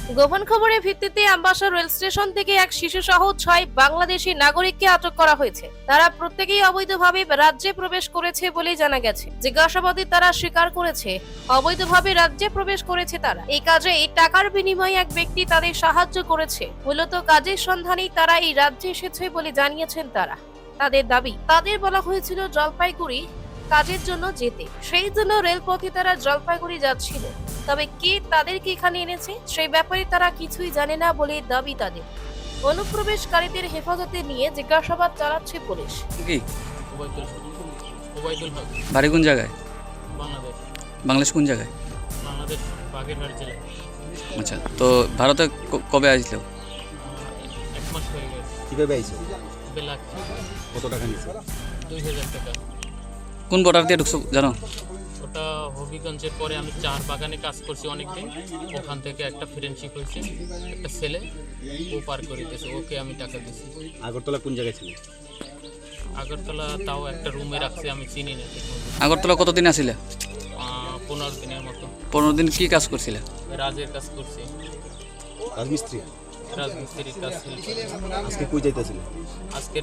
গোপন খবরের ভিত্তিতে আমবাসা রেল স্টেশন থেকে এক শিশু সহ 6 বাংলাদেশি নাগরিককে আটক করা হয়েছে। তারা প্রত্যেকেই অবৈধভাবে রাজ্যে প্রবেশ করেছে বলে জানা গেছে। জিজ্ঞাসাবাদে তারা স্বীকার করেছে অবৈধভাবে রাজ্যে প্রবেশ করেছে তারা। এই কাজে এই টাকার বিনিময়ে এক ব্যক্তি তাদের সাহায্য করেছে। মূলত কাজের সন্ধানেই তারা এই রাজ্যে এসেছে বলে জানিয়েছেন তারা। তাদের দাবি, তাদের বলা হয়েছিল জলপাইগুড়ি কাজের জন্য যেতে, সেই জন্য রেলপথে তারা জলপাইগুড়ি যাচ্ছিল। তবে কে তাদেরকে এখানে এনেছে সেই ব্যাপারে তারা কিছুই জানে না বলে দাবি তাদের। অনুপ্রবেশকারীদের হেফাজতে নিয়ে জিজ্ঞাসাবাদ চালাচ্ছে পুলিশ। কি ওবায়দুল হক, বাড়ি কোন জায়গায়? বাংলাদেশ। বাংলাদেশ কোন জায়গায়? বাংলাদেশ বাগেরহাট জেলা। আচ্ছা, তো ভারতে কবে আসলো? 1 মাস হয়ে গেছে। কিভাবে আইছো? বেলাক কত টাকা নিয়েছো? 2000 টাকা। কোন বর্ডার দিয়ে ঢুকছো জানো? ওটা হবিগঞ্জের পরে আমি চার বাগানে কাজ করছি অনেকদিন। ওখান থেকে একটা ফ্রেন্ডশিপ হয়েছে, একটা ছেলে ও পার করে দিয়েছে, ওকে আমি টাকা দিয়েছি। আগরতলা কোন জায়গায় ছিল? আগরতলা তাও একটা রুমে রাখছি, আমি চিনি না। আগরতলা কতদিন আসিলে? 15 দিনের মতো। 15 দিন কি কাজ করছিলে? রাজের কাজ করছি, রাজমিস্ত্রি। রাজমিস্ত্রির কাজ ছিল। আজকে কই যাইতেছিল? আজকের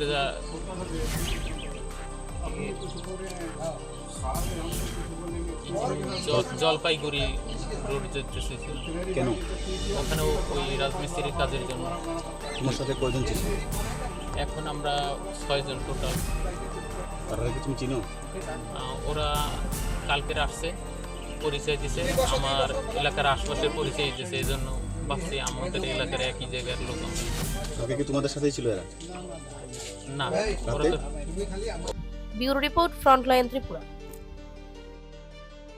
জলপাইগুড়ি রোড যেতেছি। কেন? ওখানে ওই রাজমিস্ত্রির কাজের জন্য। তোমার সাথে কয়জন ছিল? এখন আমরা 6 জন টোটাল। তারা কি তুমি চিনো? ওরা কালকের আসছে, পরিচয় দিছে, আমার এলাকার আশপাশের পরিচয় দিয়েছে, এই জন্য ভাবছি আমাদের এলাকার একই জায়গার লোক। কালকে কি তোমাদের সাথেই ছিল এরা? না, ওরা তো ব্যুরো রিপোর্ট, ফ্রন্টলাইন ত্রিপুরা।